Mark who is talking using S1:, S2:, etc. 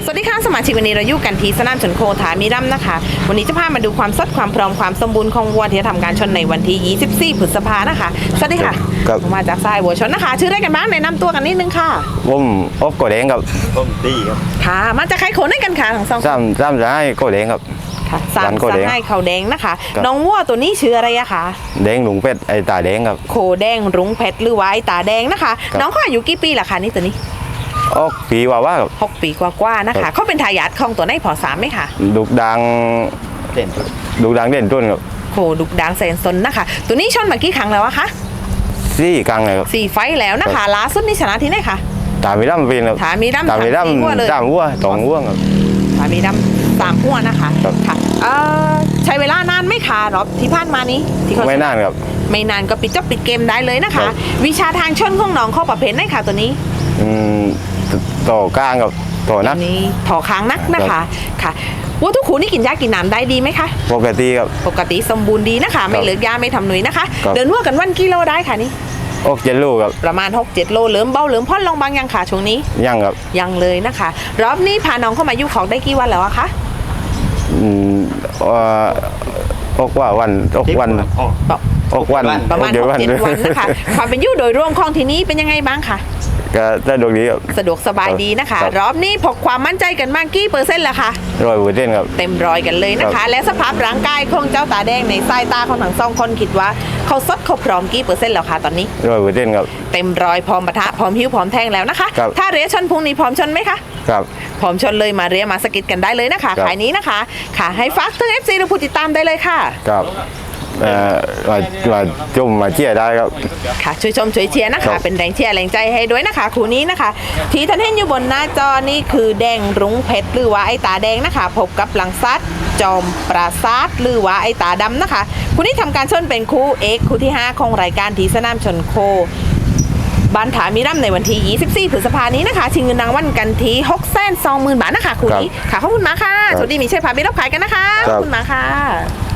S1: สวัสดีค่ะสมาชิกวันนี้เราอยู่กันที่สนามชนโคถามีรัมนะคะวันนี้จะพามาดูความสดความพร้อมความสมบูรณ์ของวัวที่จะทำการชนในวันที่24 พฤษภานะคะสวัสดีค่ะ
S2: ครับ
S1: มาจากสายวัวชนนะคะชื่ออะไรกันบ้างแนะนำตัวกันนิดนึงค่ะ
S2: ผมอบโกแดงครับ
S3: ต้มตีครับ
S1: ค่ะมาจากใครโขนให้กันค่ะทั้งสอง
S2: ซ้ำจะให้โกแดงครับ
S1: ค่ะสา
S2: ร้าม นโคแดง
S1: ให้เขาแดงนะคะ
S2: ครับ
S1: น้องวัวตัวนี้ชื่ออะไรอะคะ
S2: แดงหลุงเป็ดไอตาแดงครับ
S1: โคแดงรุ้งเพชรหรือว่าไอ้ตาแดงนะคะ
S2: ครับ
S1: น้องเขาอายุกี่ปีล่ะคะนี่ตัวนี้
S2: ออกปีว่าครับ
S1: 6 ปีกว่าๆนะ
S2: ครั
S1: คะ
S2: บ
S1: เขาเป็นทายาทของตัวไหนพอสามไหมคะ
S2: ดุกดัง
S3: เด่นสุด
S2: ดุกดังเด่นต้นครับ
S1: โคดุกดางแสนสนนะคะ ตัวนี้ชนมากี่ครั้งแล้วอะคะ
S2: ซี่กลางเลยครับ
S1: 4 ไฟต์แล้วนะคะล่าสุดนี่ชนะที่ไหนคะ
S2: ตามีดำเป็นครับ
S1: ถามีดำ
S2: ตามีด
S1: ถามีวัวเลย
S2: ำตามวัวสองวัวครับ
S1: ถามีดำ3 หัวนะคะ
S2: ครับ
S1: ค่ะใช้เวลานานไหม่คะรอบที่ผ่านมานี้ที่เขา
S2: ไม่นานครับ
S1: ไม่นานก็ปิดเกมได้เลยนะ
S2: ครั
S1: คะ
S2: บ
S1: วิชาทางชนของน้องเข้าประเภทไหนคะตัวนี้
S2: อืมต่อกลางกับต่อนัก
S1: ตัวนี้ถอค้างนักนะคะค่ะวัวทุกขูนี่กินยากินน้ำได้ดีไหมคะ
S2: ปกติครับ
S1: ปกติสมบูรณ์ดีนะคะ ไม่เหลือยาไม่ทำหนุยนะคะ
S2: ครับ
S1: เดินวัวกันวันกิโลได้ค่ะนี่
S2: ออกเจลูกครับ
S1: ประมาณ 6-7 โลเหลิมเบาเหลิมพ่อนลงบางยังค่ะช่วงนี้
S2: ย่างครับ
S1: ยังเลยนะคะ รอบนี้พาน้องเข้ามาอยู่ของได้กี่วันแล้วอะคะ
S2: อืมออกว่าวันออกวัน
S3: อ๋อ
S2: ออกวัน
S1: ประมาณ
S2: ออกเดี๋ยว
S1: 6-7 วันนะคะ ความเป็นอยู่โดยรวมของที่นี้เป็นยังไงบ้างคะ
S2: ก็ได้ดวงดีครับ
S1: สะดวกสบายดีนะคะ
S2: ครับ
S1: รอบนี้พกความมั่นใจกันมากกี่เปอร์เซ็นต์ละคะ
S2: 100%ครับ
S1: เต็มร้อยกันเลยนะ
S2: ครั
S1: คะ
S2: บ
S1: และสภาพร่างกายของเจ้าตาแดงในสายตาของทั้งสองคนคิดว่าเขาสดเขาพร้อมกี่เปอร์เซ็นต์แล้วคะตอนนี้
S2: 100%ครับ
S1: เต็มร้อยพร้อมปะทะพร้อมหิ้วพร้อมแทงแล้วนะคะ
S2: ครับ
S1: ถ้าเรียชนพรุ่งนี้พร้อมชนไหมคะ
S2: ครับ
S1: พร้อมชนเลยมาเรียมาสกิดกันได้เลยนะคะ
S2: ครับ
S1: ขายนี้นะคะ ค่ะให้ฟักถึง FC หรือผู้ติดตามได้เลยค่ะ
S2: ครับมาจุ่มมาเชียร์ได้ครับ
S1: ค่ะช่วยชมช่วยเชียร์นะ
S2: ครั
S1: คะ
S2: บ
S1: เป็นแรงเชียร์แรงใจให้ด้วยนะคะคู่นี้นะคะ ที่ท่านเห็นอยู่บนหน้าจอนี่คือแดงรุ้งเพชรหรือว่าไอ้ตาแดงนะคะ พบกับหลังซัดจอมปราศาสตร์หรือว่าไอ้ตาดำนะคะคู่นี้ทำการชนเป็นคู่เอกคู่ที่ 5 ของรายการทีสนามชนโคบ้านถามีรัมในวันที่ 24 พฤษภานี้นะคะชิงเงินรางวัลกันที่ 620,000 บาทนะคะคู่นี้ค่ะขอบคุณมากค่ะ
S2: ครับ
S1: สวัสดีมีชัยพาไปรับขายกันนะคะขอบคุณมากค่ะ